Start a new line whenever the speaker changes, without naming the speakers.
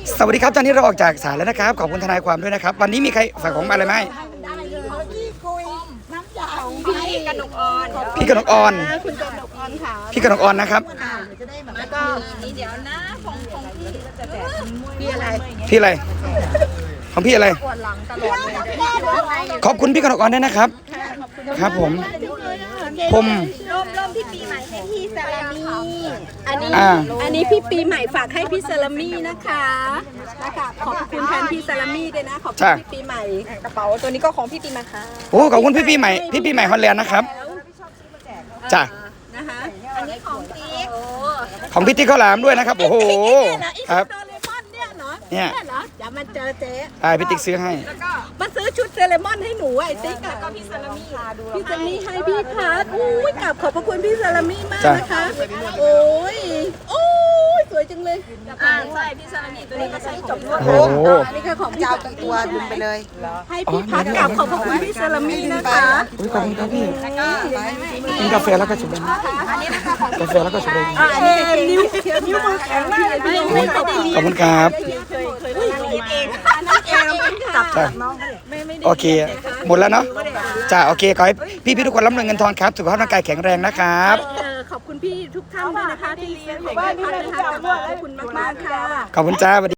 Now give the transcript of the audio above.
สวัสดีครับตอนนี้เราออกจากศาลแล้วนะครับขอบคุณทนายความด้วยนะครับวันนี้มีใครฝากของมาอะไรไหม
พี่กนกออน
พี่กนกออน
คุณกนกออนค่ะ
พี่กนกออนนะครับ
แล้วก็นี่เดี๋ยวนะของพี่อะไร
พี่อะไรของพี่อะไร
ปวดหลังตลอดเลย
ขอบคุณพี่กนกออนด้วยนะครับครับผม
ร่มพี่ปีใหม่ให้พี่ซาลามีอันนี้พี่ปีใหม่ฝากให้พี่ซาลามีนะคะขอบคุณแทนพี่ซาลามีด้วยนะขอบคุณพี่ปีใหม่กระเป๋าตัวนี้ก็ของพี่ปีใหม่ค่ะ
โอ้ขอบคุณพี่ปีใหม่ฮอลแลนด์นะครับจ้ะ
นะคะอันนี้ของติ๊ก
ของพี่ติ๊กข้าวหลามด้วยนะครับโอ้โหครับ
โดเรมอนเนี่ยเนาะ
เนี่ย
เหรอเดี๋ยวมาเจอเจ๊
พี่ติ๊กซื้อให้
มาซื้อชุดโดเรมอนให้หนูไอ้ติ๊กแล้วก็พี่ซาลามี่พี่ซาลามี่ให้พี่พัดอุ้ยกราบขอบพระคุณพี่ซาลามี่มากนะคะโอ้ยสวยจังเลยใช่พี่ซาลามี่ตัวนี้ก็ใช้จบ
โอ้โห
อันนี้คือของพี่
เจ้าตัวดุมไปเลย
ให้พี่พัดกราบขอบพระคุณพี่ซาลามี่นะคะ
ขอบคุณครับพี่กินกาแฟแล้วก็ชุบเลยกาแฟแล้วก็ชุบเลย
อันนี้นิ้วมือแข็งมากเลยพี่ไม่ได้
ขอบคุณครับ
เคยคิดเองอันนั้นเองจับน้องไม่ได้
โอเคหมดแล้วเนาะจ้าโอเคขอให้พี่ทุกคนร่ำรวยเงินทองครับสุขภาพร่างกายแข็งแรงนะครับ
ขอบคุณพี่ทุกท่านด้วยนะคะที่ซื้อของให้พัดนะคะขอบคุณมากๆค่ะ
ขอบคุณจ้า